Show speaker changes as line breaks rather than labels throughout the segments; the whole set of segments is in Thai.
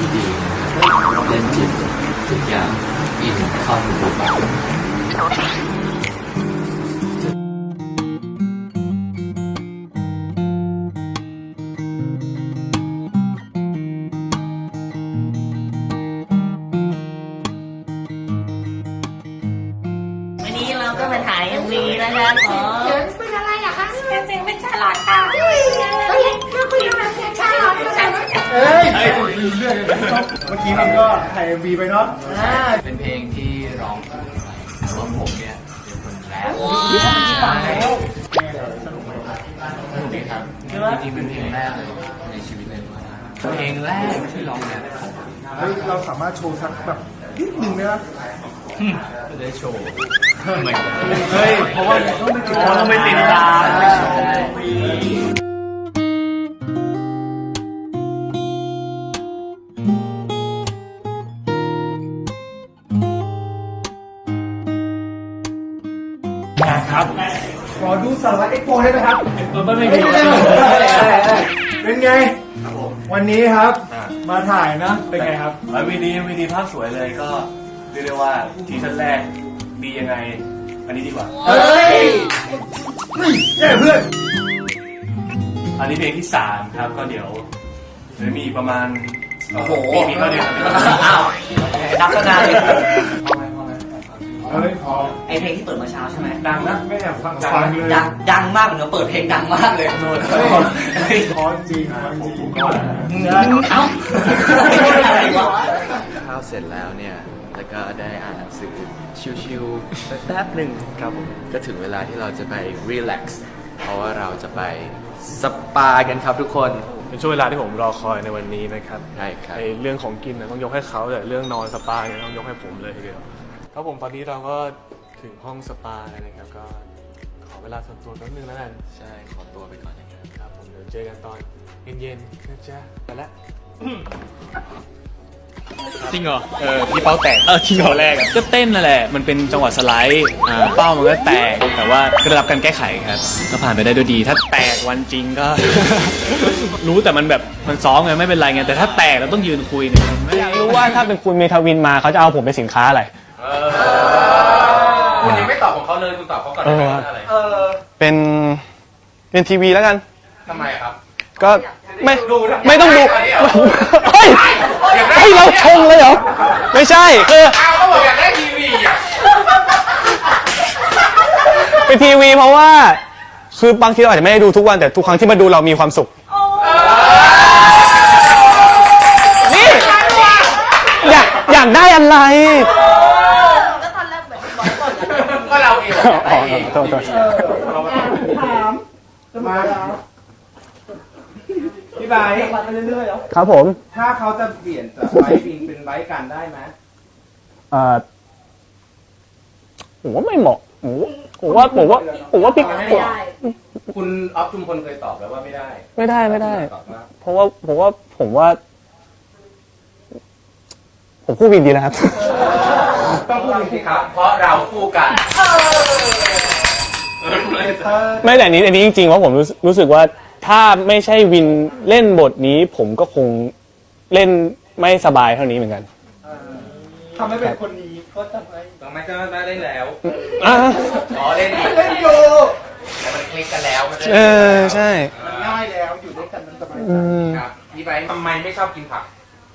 ที่ดีเล่นจิตทุกอย่างอินเข้าถึงบทบาท
วันนี้เราก็มาถ่าย MV นะคะของ
เป็นอะไรอะคะ
จริงๆเป็นชาลอตค่ะ
เฮ้ยน่าคุยมาเสียชาลอต
เฮ้ยลืมเรื่องเมื่อกี้มันก็ถ่ายMVไปเนาะ
เป็นเพลงที่ร้องถูกไหมแต่ว่าผมเนี่ยเป็นคนแรป
สนุกไหม
สนุกดีครับจริงๆเป็นเพลงแรกเลยในชีวิตเลยเพลงแรกที่ร้องแรปของผม
เฮ้ยเราสามารถโชว์สักแบบนิดนึงได้ไหม
จะได้โชว์
เฮ้ยเพราะว่าต้องไปติดตาม ครับขอดูสารวัตรเอ็กโปได้ไหมครับไม่มีเป็นไงวันนี้ครับ มาถ่ายนะเป็นไงครับ
วีดีภาพสวยเลยก็เรียกได้ว่าทีชั่นแรกดียังไง อันนี้ดีกว่า
เฮ้ยแย่เพื่อน
อันนี้เพลงที่3ครับก็เดี๋ยวมีอีกประมาณ
โอ้โห
มีก็เดี๋ยว
อ้าวนับตั้งนานเลย
เฮ้ยพอ
ไอเพลงที่เปิดเมื่อเช้าใช่ไหม
ดังนะ
ไม่แอบฟังเลย
ดังมากเหมือนกับเปิดเพลงดังมากเลย
เฮ้ยพอจริงพอจริง
เอ้าอะไรวะ
ข้าวเสร็จแล้วเนี่ยแล้วก็ได้อ่านหนังสือชิวๆแป๊บหนึ่งครับผมก็ถึงเวลาที่เราจะไปรีแลกซ์เพราะว่าเราจะไปสปากันครับทุกคน
เป็นช่วงเวลาที่ผมรอคอยในวันนี้นะครับ
ใช่ครับ
ไอเรื่องของกินนะต้องยกให้เขาแต่เรื่องนอนสปาเนี่ยต้องยกให้ผมเลยทีเดียวครับผมตอนนี้เราก็ถึงห้องสปาแล้วนะครับก็ขอเวลาส่วนตัวแป๊บนึงแล้วกัน
ใช่ขอตัวไปก่อนนะครับ
ครับผมเดี๋ยวเจอกันตอนเย็นๆนะจ๊ะไปละ
จริงเหรอ
พี่เป้าแตก
จริงเหรอแรกก็เต้นนั่นแหละ มันเป็นจังหวะสไลด์เป้ามันก็แตก แต่ว่าก็ได้รับการแก้ไขครับ ก็ผ่านไปได้ด้วยดี ถ้าแตกวันจริงก็ รู้แต่มันแบบมันซ้อมไงไม่เป็นไรไง แต่ถ้าแตกเราต้องยืนคุยเนี่ยไม่อยากรู้ว่าถ้าเป็นคุณเมทาวินมาเขาจะเอาผมเป็นสินค้าอะไร
คุณยังไม่ตอบของเขาเลยคุณตอบเขาก่อนอะไร
เป็นทีวีแล้วกัน
ทำไมครับ
ก็ไม่
ดูนะ
ไม่ต้องดู
อันนี้เหรอ
เฮ้ยเฮ้ยเราชงเลยเหรอ ไม่ใช่คือ
อ้าวเขาบอกอยากได้ทีวีอ่ะ
เป็นทีวีเพราะว่า คือบางทีเราอาจจะไม่ได้ดูทุกวันแต่ทุกครั้งที่มาดูเรามีความสุขนี่อยากได้อะไร
ก็ตอนแรกเหมือนบอกก่อน
ก็เราเอง
อ๋อโทษ
ถามมาพี่ไบร์ท
ครับผม
ถ้าเขาจะเปลี่ยนจากไบร์ทวิงเป็นไบร์ทกันได้ไหม
ผมว่าไม่เหมาะผมว่าพี่
ไม่ได้
คุณออฟจุมพลเคยตอบแล้วว่าไม่ได้
ไม่ได้
ตอบว่า
เพราะว่าผมคู่วินดีนะครับ
ต้องพูดจริงๆครับ
เพราะเราคู่กัน
ไม่แต่อันนี้จริงๆว่าผมรู้สึกว่าถ้าไม่ใช่วินเล่นบทนี้ ผมก็คงเล่นไม่สบายเท่านี้เหมือนกัน
ทำให้เป็นคนนี้ก็ทำไมต้องไม่ก็ได้เล่นแล้ว
อ่ะ
อ๋อเล่นอีก
เล่นอยู่
แต่มันคลิกกันแล้วมันจะ
ใช่
มันง่ายแล้วอยู่ด้วยกันมันสบายใจ
ครับพี่ไบร์ททำไมไม่ชอบกินผัก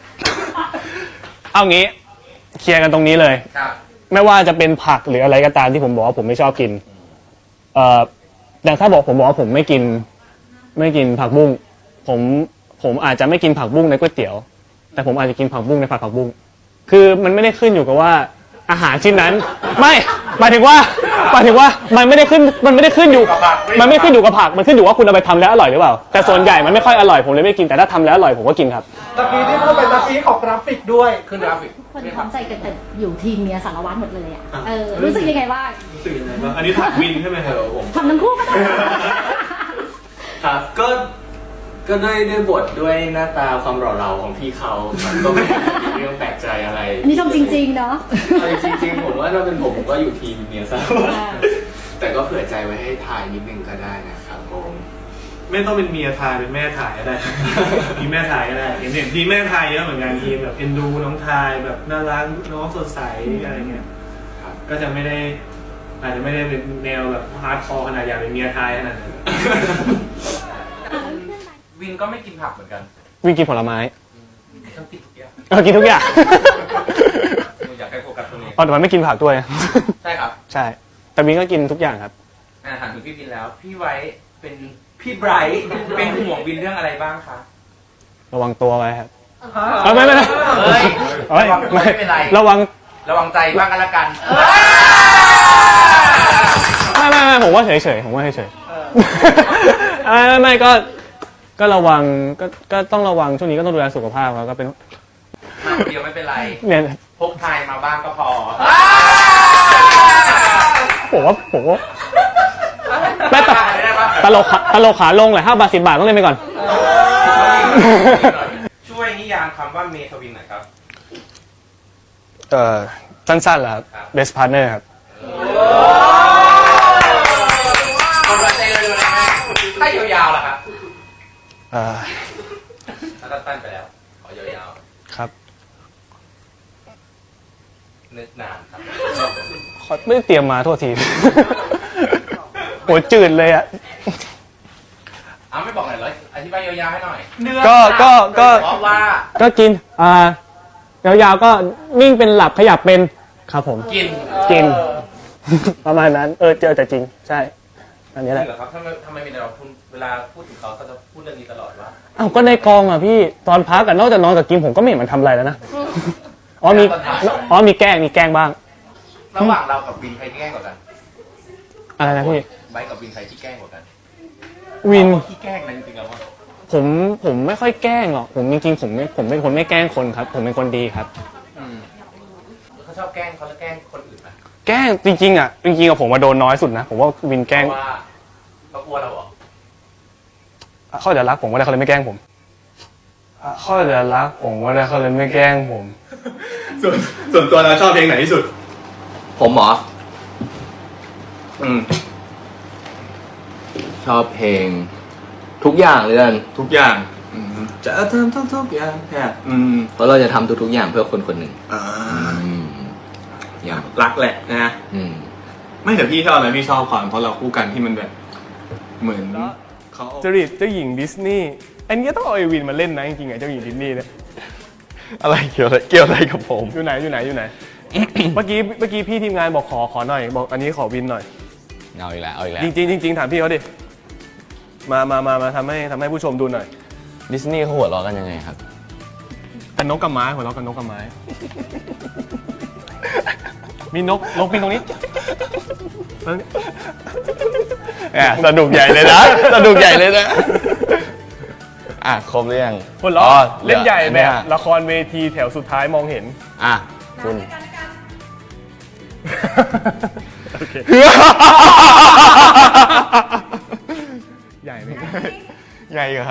เอางี้เคลียร์กันตรงนี้เลย
ครับ
ไม่ว่าจะเป็นผักหรืออะไรก็ตามที่ผมบอกว่าผมไม่ชอบกินอย่างถ้าผมบอกว่าผมไม่กินผักบุ้งผมอาจจะไม่กินผักบุ้งในก๋วยเตี๋ยว แต่ผมอาจจะกินผักบุ้งในผัดผักบุ้งคือมันไม่ได้ขึ้นอยู่กับว่าอาหารชิ้นนั้นไม่หมายถึงว่ามันไม่ได้ขึ้นอยู่มันไม่ขึ้นอยู่กับผักมันขึ้นอยู่ว่าคุณเอาไปทำแล้วอร่อยหรือเปล่าแต่ส่วนใหญ่มันไม่ค่อยอร่อยผมเลยไม่กินแต่ถ้าทำแล้วอร่อยผมก็กินครับ
ตะกี้ที่พูดเป็นตะกี้ของกราฟิกด้วย
ขึ้นกราฟิก
คนพร้อมใจกันแต่อยู่ทีมเนี้ยสารวัตรหมดเลยอ่ะรู้สึกยังไงบ้าง
อันนี้ถักวินใช่ไหมครับผม
ทำทั้งคู่ก็ได้
ครับก็ด้วยบทด้วยหน้าตาความหล่อเหลาของพี่เขามันก็ไม่มีเรื่องแปลกใจอะไร
อันนี้ชมจริงๆเนาะ
จริงๆผมว่าถ้าเป็นผมก็อยู่ทีมเนี่ยซะแต่ก็เผื่อใจไว้ให้ทายนิดนึงก็ได้นะครับผม
ไม่ต้องเป็นเมียทายเป็นแม่ทายก็ได้ ทีมแม่ทายก็ได้เห็นทีมแม่ทายเยอะเหมือนกันทีมแบบเอ็นดูน้องทายแบบน่ารักน้องสดใสอะไรเงี้ยก็จะไม่ได้อาจจะไม่ได้เป็นแนวแบบฮาร์ดคอร์ขนาดอยากเป็นเมียทายขนาดนั้น
วินก็ไม่กินผักเหมือนกัน
วิ่งกินผลไม้
ต้องกินทุกอย่าง
กินทุกอย่าง
อยากให้โฟกัสตรงนี้
แต่มันไม่กินผักด้วย
ใช่ครับ
ใช่ แต่วินก็กินทุกอย่างครับ
ถามถึงพี่วินแล้ว พี่ไว้เป็นพี่ไบรท์เป็นห่วงวินเรื่องอะไรบ้างคะ
ระวังตัวไว้ครับ
ไม่
เฮ้ย
ระวังตัวไม่เป็นไร
ระวัง
ใจบ้างกันละกัน
ไม่ผมว่าเฉยๆผมว่าเฉยๆไม่ก็ระวังก็ต้องระวังช่วงนี้ก็ต้องดูแลสุขภาพครับก็เป็น
มาคนเดียวไม่เป็นไร
เนี่ย
พกทายมาบ้างก็พอ
ผมว่าไม่ตลกขาลงเลย5 บาท 10 บาทต้องเล่นไปก่อน
ช่วยนิยามคำว่าเมทวินหน่อยครับ
สั้นๆแหละครับ best partner ครับ
คนละใจเลยนะฮะถ้ายาวๆล่ะครับถ้าตั้นไปแล้ว ขอยาวๆ
ครับ
นึกนานครับ
ไม่ได้เตรียมมาโทษที โหจืดเลยอ่ะ
ไม่บอกหน่อยเลยอธิบายยาวๆให้หน่อย
ก็
ว่า
ก็กินยาวๆก็นิ่งเป็นหลับขยับเป็นครับผม
กิน
ประมาณนั้นเจอแต่จริงใช่อันนี้แหละ
เหรอครับทำไมมีเราเวลาพูดถึงเขาจะพูดเรื่องนี้ตลอดว่า
อ้าวก็ในกองอ่ะพี่ตอนพักกันนอกจากนอนกับกินผมก็ไม่เห็นมันทำอะไรแล้วนะมีแกล้งบ้าง
ระหว่างเรากับวินใครที่แกล้งกว่ากัน
อะไรนะพี่
ไบค์กับวินใครที่แกล้งกว่ากัน
วิน
ที่แกล้งนะจริงๆแล้วว่า
ผมไม่ค่อยแกล้งหรอกผมจริงๆผมเป็นคนไม่แกล้งคนครับ ผมเป็นคนดีครับ
เขาชอบแกล้งเขาจะแกล้งคนอื่นไหม
แกล้งจริงๆอ่ะผมมาโดนน้อยสุดนะผมว่าวินแกล้ง
เพราะว่าเขากลัวเราเหรอ
เขาจะรักผมว่าได้เขาเลยไม่แกล้งผมเขาจะรักผมว่าได้เขาเลยไม่แกล้งผม
ส่วนตัวเราชอบเพลงไหนที่สุด
ผมเหรอชอบเพลงทุกอย่างเลยกัน
ทุกอย่างจะทำทุกอย่าง
เพราะเราจะทำทุกๆอย่างเพื่อคนคนหนึ่งอย่าง
รักแหละนะไม่แต่พี่ชอบนะพี่ชอบความเพราะเราคู่กันที่มันแบบเหมือนเขาจริตเจ้าหญิงดิสนีย์อันนี้ต้องเอาไอวินมาเล่นนะจริงๆไงเจ้าหญิงดิสนีย์เนี่ย
อะไรเกี่ยวอะไรกับผม
อยู่ไหน เมื่อกี้พี่ทีมงานบอกขอหน่อยบอกอันนี้ขอวินหน่อย
เอาอีกแล้ว
จริงถามพี่เขาดิมาทำให้ผู้ชมดูหน่อย
ดิสนีย์เขาหัวเราะกันยังไงครับ
กันนกกับไม้หัวเราะกันนกกับไม้ มีนกบินตรงนี้
สนุกใหญ่เลยนะครบหรือยัง
คนเราะเล่นใหญ่แบบละครเวทีแถวสุดท้ายมองเห็น
คุณ
โอเค ใหญ่ไหม
ใหญ่ครับ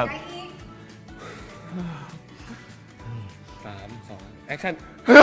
3 2 แอคชั่น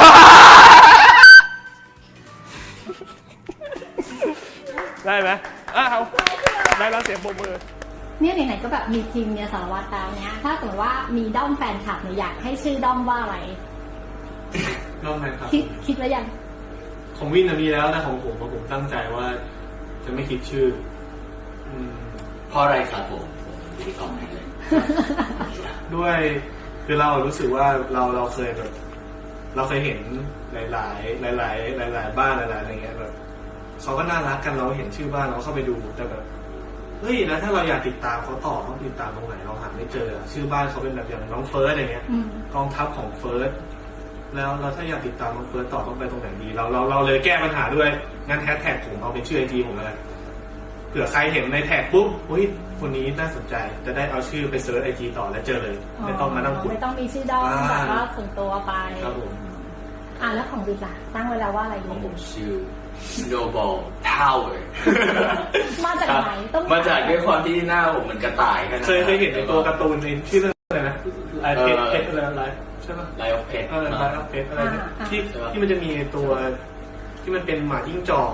ได้ไหมเอาได้แล้วเสียงปรบมือ
เนี่ยไหนๆก็แบบมีทีมเนี่ยสารวัตรแล้วเนี่ยถ้าสมมติว่ามีด้อมแฟนคลับเนี่ยอยากให้ชื่อด้อมว่าอะไร
น้องแมนครับ
คิดไว้ยัง
ของวินมีแล้วแต่ของผมตั้งใจว่าจะไม่คิดชื่อ
เพราะอะไรครับผมที่กองให้เลย
ด้วยคือเรารู้สึกว่าเราเคยแบบเราเคยเห็นหลายบ้านหลายอะไรเงี้ยแบบเขาก็น่ารักกันเราเห็นชื่อบ้านเราเข้าไปดูแต่แบบเฮ้ยแล้วถ้าเราอยากติดตามเขาต่อต้องติดตามตรงไหนเราหาไม่เจอชื่อบ้านเขาเป็นแบบอย่างน้องเฟิร์สอะไรเงี้ยกองทัพของเฟิร์สแล้วเราถ้าอยากติดตามน้องเฟิร์สต่อต้องไปตรงไหนดีเราเลยแก้ปัญหาด้วยงั้นแฮชแท็กผมเอาเป็นชื่อไอจีผมเลยเผื่อใครเห็นในแท็กปุ๊บเฮ้ยคนนี้น่าสนใจจะได้เอาชื่อไปเซิร์ชไอจีต่อแล้วเจอเลยไม่ต้องมานั่งขุด
ไม่ต้องมีชื่อด้อมแบบว่าส่วนตัวไป
ครับผม
แล้วของวินล่ะตั้งไว้แล้วว่าอะไรดี
ผมชื่อ Snowball Tower
มาจากไหนต้อง
มาจากด้วยความที่หน้าผมเหมือนกระต่ายกัน
เคยเห็นในตัวการ์ตูนในชื่อเรื่องอะไรนะลายเพชรอะไรลายใช่ปะ
ลายออฟเพชร
ลายออฟเพชรอะไรที่มันจะมีตัวที่มันเป็นหมาจิ้งจอก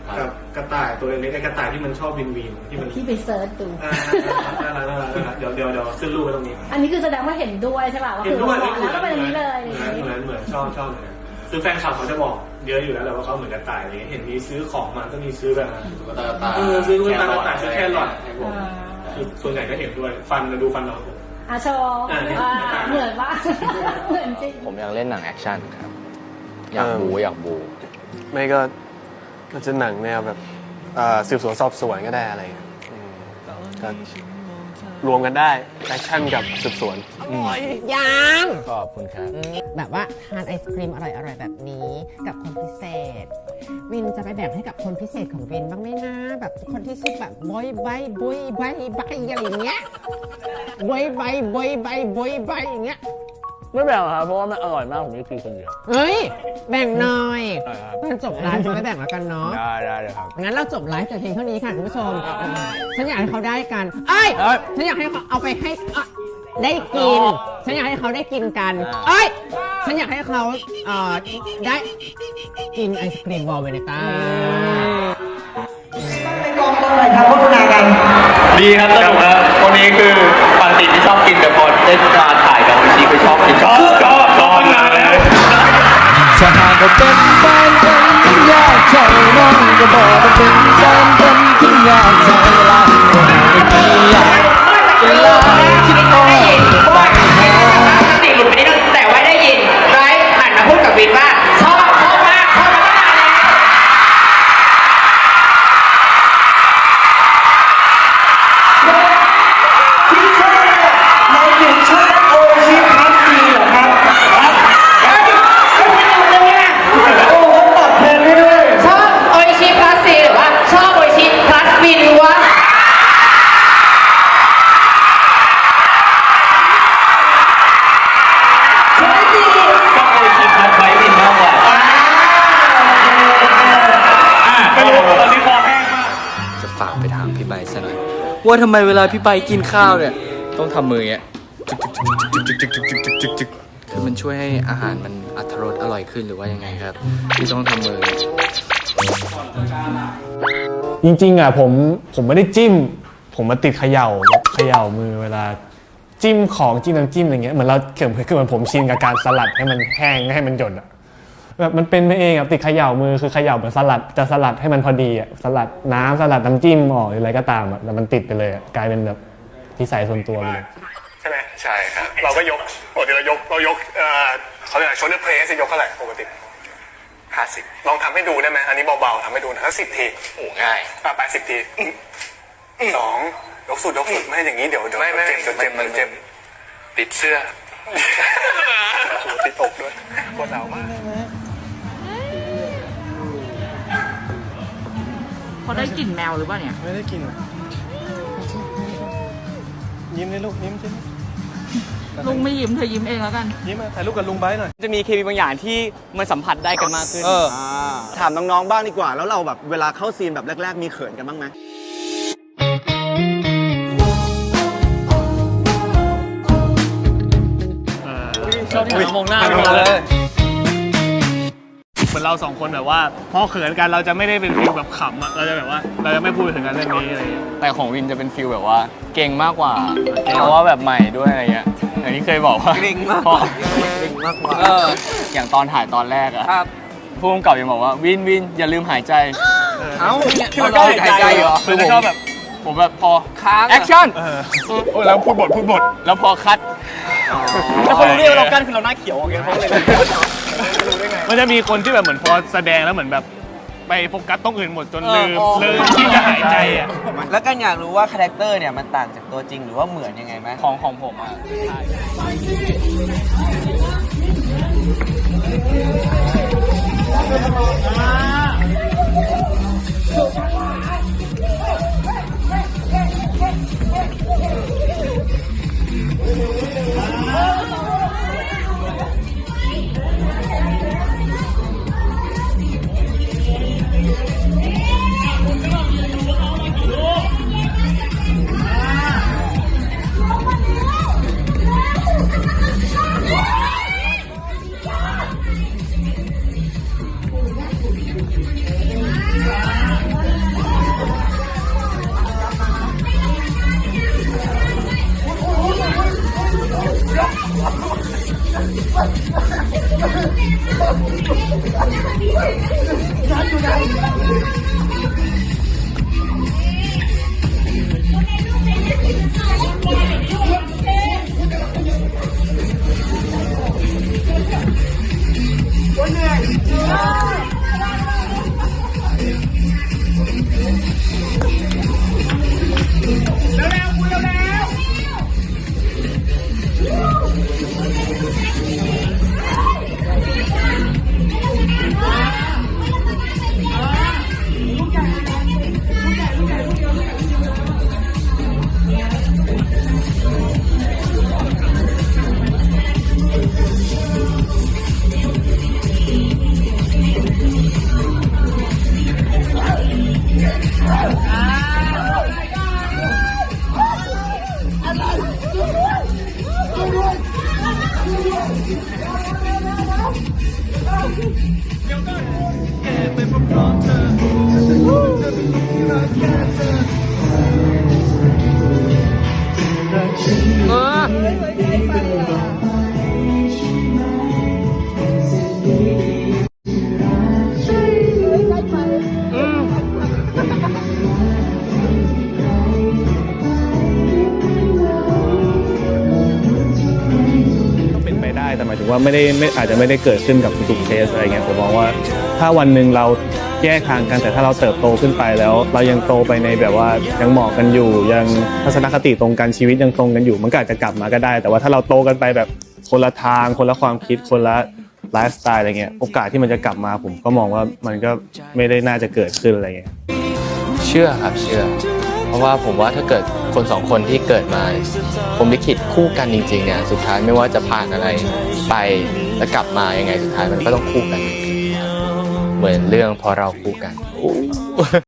กับกระต่ายตัวเล็กๆไอ้กระต่ายที่มันชอบวินที่มัน
พี่ไปเซิร์ชดู
น่ารักเดี๋ยวขึ้นรูปไว้ตรงนี้
อันนี้คือแสดงว่าเห็นด้วยใช่ป่ะว่า
เห็
คื
น
อ
ด้วย
บอกแล้วก็เป็นอย่างนี้เลย
เหมือนชอบเลยคือแฟนคลับเขาจะบอกเยอะอยู่แล้วแหละว่าเขาเหมือนกระต่ายอะไรเงี้ยเห็นมีซื้อของมาก็มีซื้อแบบ
ตุ๊กตากระต่าย
ซื้อกระต่ายซื้อแครอทคือส่วนใหญ่ก็เห็นด้วยฟันดูฟันเราผม
อาโชว์เหมือนว่าเหมือนจริง
ผมอยากเล่นหนังแอคชั่นครับ อยากบู
ไม่ก็จะหนังแนวแบบสืบสวนสอบสวนก็ได้อะไรเงี้ยก็รวมกันได้แอคชั่นกับสืบสวน
ยัง
ขอบคุณครับ
แบบว่าทานไอศครีมอร่อยๆแบบนี้กับคนพิเศษ วินจะไปแบ่งให้กับคนพิเศษของวินบ้างไหมนะแบบคนที่ชื่อแบบบอยใบอะไรอย่างเงี้ยบอยใบอย่างเงี้ย
ไม่แบ่งครับเพราะว่ามันอร่อยมากผมไม่กินคนเดียว
เฮ้ยแบ่งหน่อยตอนจบไลฟ์จะไปแบ่งแล้วกันเนาะ
ได้เลยครับ
งั้นเราจบไลฟ์แต่เพียงเท่านี้ค่ะคุณผู้ชมฉันอยากให้เขาได้กันฉันอยากให้เขาเอาไปให้ได้กินฉันอยากให้เขาได้กินกันฉันอยากให้เขาได้กินไอศครีมวอลเวเนต้า
ดีครับสนุกครับคนนี้คือปกติที่ชอบกินแต่พอได้มาถ่ายกับวันนี้คือชอบกินชอบนานแล้ว
ถ้าหากว่าเป็นแฟนกันยากใจน้องก็บอกว่าเป็นแฟนกันที่ยากใจละไม่อยากจะลาคิดต่อไปหา
สติหลุดไปนิดนึงแต่ว่าได้ยินไรหันมาพูดกับวินว่าชอบมากชอบมาตั้งนานแล้ว
ที่ชอบในหญิงชอบโอชิพัสซีเหรอครับโอ้เขาตัดแทนให้ด้วย
ชอบโออิชิพลัสซีหรือว่าชอบโออิชิพลัสวินวะ
จะฝากไปถามพี่ใบซะหน่อยว่าทำไมเวลาพี่ใบกินข้าวเนี่ยต้องทำมืออย่างเงี้ยจึกคือมันช่วยให้อาหารมันอรรถรสอร่อยขึ้นหรือว่ายังไงครับที่ต้องทำมือ
จริงๆอ่ะผมไม่ได้จิ้ม ผมมาติดเขย่าแบบเขย่ามือเวลาจิ้มของจิ้มน้ำจิ้มอะไรเงี้ยเหมือนเราคือเหมือนผมชินกับการสลัดให้มันแห้งให้มันหยดอ่ะแบบมันเป็นไปเองอ่ะติดเขย่ามือคือเขย่าเหมือนสลัดจะสลัดให้มันพอดีอ่ะสลัดน้ำสลัดน้ำจิ้มออกหรืออะไรก็ตามอ่ะแต่มันติดไปเลยกลายเป็นแบบนิสัยส่วนตัวเลย
ใช่ไหมใช่ครับเราก็ยกปกติเรายกเขาเรียกอะไรโชว์เดอร์เพลสยกเท่าไหร่ปกติ50ลองทำให้ดูได้ไหมอันนี้เบาๆทำให้ดูนะ10 ทีโอ้ง่าย80 ที2ยกสุดไม่อย่างนี้เดี๋ยวเจ็บมันเจ็บติดเสื้อติดอกด้วยปวดหนาวมาก
เขาได้กลิ่นแมวหรือเปล่าเนี่ย
ไม่ได้กินยิ้มเลยลูกยิ้มสิ
ลุงไม่ยิ้มเธอยิ้มเองแล้วกัน
ยิ้มมาถ่ายรูปกับลุงไบร์ทหน่อย
จะมีเคมีบางอย่างที่มันสัมผัสได้กันมากขึ้น
ถามน้องๆบ้างดีกว่าแล้วเราแบบเวลาเข้าซีนแบบแรกๆมีเขินกันบ้างไหม
ชอบที่มองหน้าเลยเหมือนเราสองคนแบบว่าพอเขินกันเราจะไม่ได้เป็นฟิลแบบขำอะเราจะแบบว่าเราจะไม่พูดถึงกันเรื่องนี้อะไรอย่างเงี้ย
แต่ของวินจะเป็นฟิลแบบว่าเก่งมากกว่าเพราะว่าแบบใหม่ด้วยอะไรเงี้ยอย่างที่เคยบอกว่าเก่งมากกว่าอย่างตอนถ่ายตอนแรกอะผู้กำกับยังบอกว่าวินอย่าลืมหายใจคือมันก็หายใจเหรอคือผมชอบแบบผมแบบพอแอคชั่นแล้วพูดบทแล้วพอคัดแล้วเขารู้ได้ว่าเรากั้นคือเราหน้าเขียวอย่างเงี้ยเขาเลย
มันจะมีคนที่แบบเหมือนพอแสดงแล้วเหมือนแบบไปโฟกัสตรงอื่นหมดจนลืมที่จะหายใจอ่ะ
แล้วกันอยากรู้ว่าคาแรคเตอร์เนี่ยมันต่างจากตัวจริงหรือว่าเหมือนยังไงไหม
ของผมอ่ะ
เป็นไปได้แต่หมายถึงว่าอาจจะไม่ได้เกิดขึ้นกับทุกเคสอะไรเงี้ยผมมองว่าถ้าวันหนึ่งเราแยกทางกันแต่ถ้าเราเติบโตขึ้นไปแล้ว เรายังโตไปในแบบว่ายังเหมาะกันอยู่ยังทัศนคติตรงกันชีวิตยังตรงกันอยู่มันก็อาจจะกลับมาก็ได้ แต่ว่าถ้าเราโตกันไปแบบคนละทางคนละความคิดคนละไลฟ์สไตล์อะไรเงี้ยโอกาสที่มันจะกลับมาผมก็มองว่ามันก็ไม่ได้น่าจะเกิดขึ้นอะไรเงี้ย
เชื่อครับเชื่อ เพราะว่าผมว่าถ้าเกิดคนสองคนที่เกิดมาผมลิขิตคู่กันจริงๆเนี่ยสุดท้ายไม่ว่าจะผ่านอะไรไปแล้วกลับมายังไงสุดท้ายมันก็ต้องคู่กันเหมือนเรื่องพอเราคู่กัน